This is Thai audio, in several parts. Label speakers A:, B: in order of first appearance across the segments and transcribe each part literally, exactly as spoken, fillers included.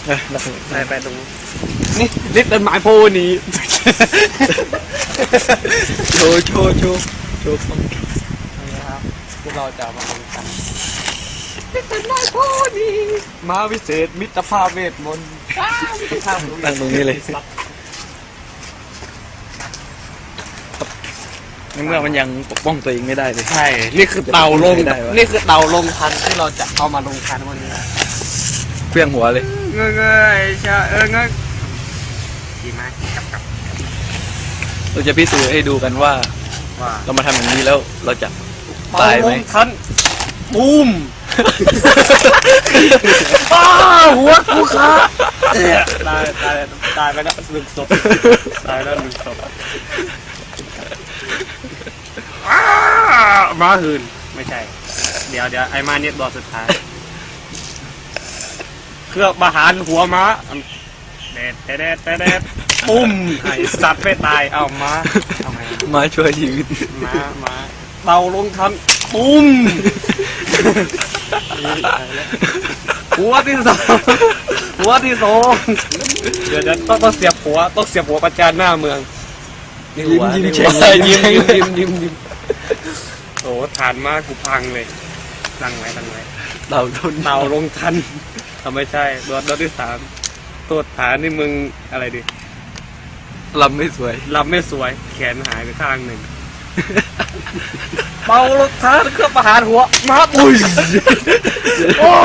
A: ไปไปตรงนี่นี่ต้นไม้โพนี้
B: โชว์โชว์โชว์โชว์ฟัง
A: นะครับพวกเราจะมาทำกันนี่ต้นไม้โพนี้มาวิเศษมิตรภาพเวทมนต์
B: ตั้งตรงนี้เลยในเมื่อมันยังปกป้องตัวเองไม่ได้เลย
A: ใช่นี่คือเตาลงนี่คือเตาลงทันที่เราจะเอามาลงทันวันนี้
B: เพี้ยงหัวเลย
A: เงยเงยชาเออเงยดีมากกับกับ
B: เราจะพิสูจน์ให้ดูกันว่าเรามาทำอย่างนี้แล้วเราจะตายไหม
A: ทันบูมอ้าหัวกูขาตายตายตายไปแล้วหนึ่งศพตายแล้วหนึ่งศพมาหืนไม่ใช่เดี๋ยวเดี๋ยวไอ้มาเนี่ยตัวสุดท้ายเครื่องประหารหัวม้าเด็ดเด็ดเด็ดเด็ดปุ้มไอ้สัตว์ไม่ตายเอาม้าทำไม
B: ม้าช่วยชีวิต
A: ม้าม้าเตาลงทันปุ้มหัวที่สองหัวที่สองเดี๋ยวจะต้องต้องเสียบหัวต้องเสียบหัวประจานหน้าเมือง
B: ยิ้มยิ้มเฉย
A: ยิ้มยิ้มยิ้มยิ้มยิ้มโอ้ฐานมากกูพังเลยตั้งไว้ตั้งไว้
B: เต่าทุน
A: เต่าลงทันทำไม่ใช่โดนโดนที่สามตัวฐานนี่มึงอะไรดิ
B: ลำไม่สวย
A: ลำไม่สวยแขนหายไปข้างหนึ่งเป่าลงทันเครื่องประหารหัวมาปุ้ยโอ้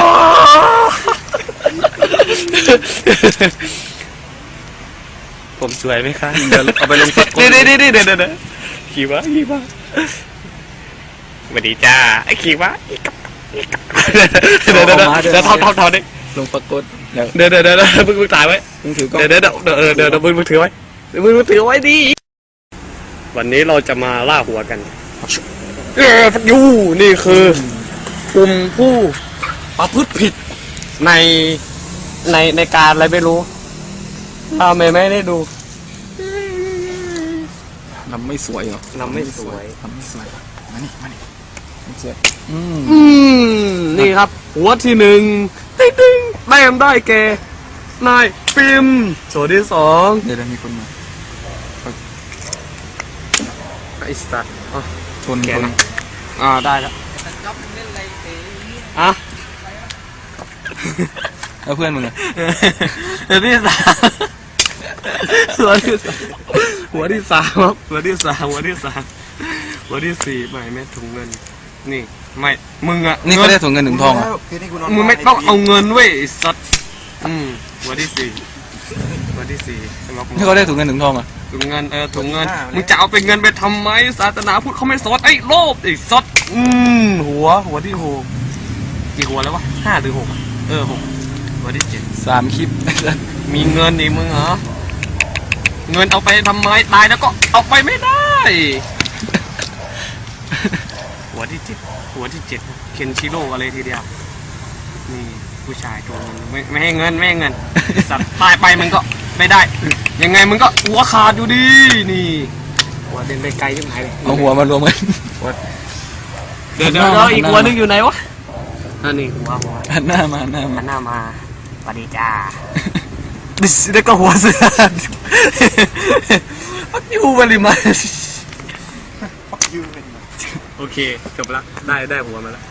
A: ผมสวยไหมครับ
B: เดี๋ยวเอาไปลงสัก
A: เดี๋ยวเดี๋ยวเดี๋ยวเดี๋ยวเดี๋ยวขี่วะขี่วะสวัสดีจ้าไอ้ขี่วะเดี๋ยวเดี๋ยวเดี๋ยวเดี๋ยวทอดทอดทอดดิ
B: ลงปรากฏ
A: เดี๋ยวเดี๋ยวเดี๋ยวเดี๋ยวมึงมึงถ่ายไว้
B: มึงถือกล้อง
A: เดี๋ยวเดี๋ยวเดี๋ยวเดี๋ยวเดี๋ยวมึงมึงถือไว้มึงมึงถือไว้ดิวันนี้เราจะมาล่าหัวกันเออยูนี่คือกลุ่มผู้ประพฤติผิดในในในการอะไรไม่รู้เราไม่ไม่ได้ดู
B: ลำไม่สวยเหรอ
A: ลำไม่สวย
B: ลำไม่สวยมานี่มานี่ไม่สวย
A: อืมอืมนี่ครับหัวที่หนึ่งติ๊งติ๊งแต้มได้แก่นายปิมส่วนที่สอง
B: เดี๋ยวมีคนมา
A: ไอ้สัตว์
B: ชนคน
A: อ่าได้แล้วอ่ะ
B: แล้วเพื่อนมึงอ่ะ
A: เดี๋ยวที่สามหัวที่สามหัวที่สามครับหัวที่สามหัวที่สามหัวที่สี่ไม่แม่ถุงเงินนี่ไม่มึงอ่ะ
B: นี่ก็ได้ถุงเงินถุงทองอ่ะ
A: มึงไม่ต้องเอาเงินเว้ยสัตว์อืมหัวที่สี่หัวที่สี่
B: นี่ก็ได้ถุงเงินถุงทองอ่ะ
A: ถุงเงินเออถุงเงินมึงจะเอาไปเงินไปทำไมศาสนาพุทธเขาไม่สอนไอ้โลภไอ้สัตว์อืมหัวหัวที่หกกี่หัวแล้ววะห้าหรือหกเออหกหัวที่เจ็ด
B: สามคลิป
A: มีเงินดิมึงเหรอเงินเอาไปทำไมตายแล้วก็เอาไปไม่ได้หัวที่เจ็ดหัวที่เจ็ดเคนชิโร่อะไรทีเดียวนี่ผู้ชายตัวนึงไม่ไม่ให้เงินไม่ให้เงินสัตว์ตายไปมันก็ไม่ได้ยังไงมึงก็หัวขาดอยู่ดีนี่หัวเดินไปไกลที่ไหนเลย
B: เอาหัวมารวมกัน
A: เดี๋ยวเดี๋ยวอีกหัวนึงอยู่ไหนวะนั่นนี่หัวหัว
B: หันหน้ามาหน้ามา
A: หน้ามาสวัสดีจ้าดิสแล้วก็หัวเสือฟักยูบริมาโอเคจบละได้ได้หัวมาแล้ว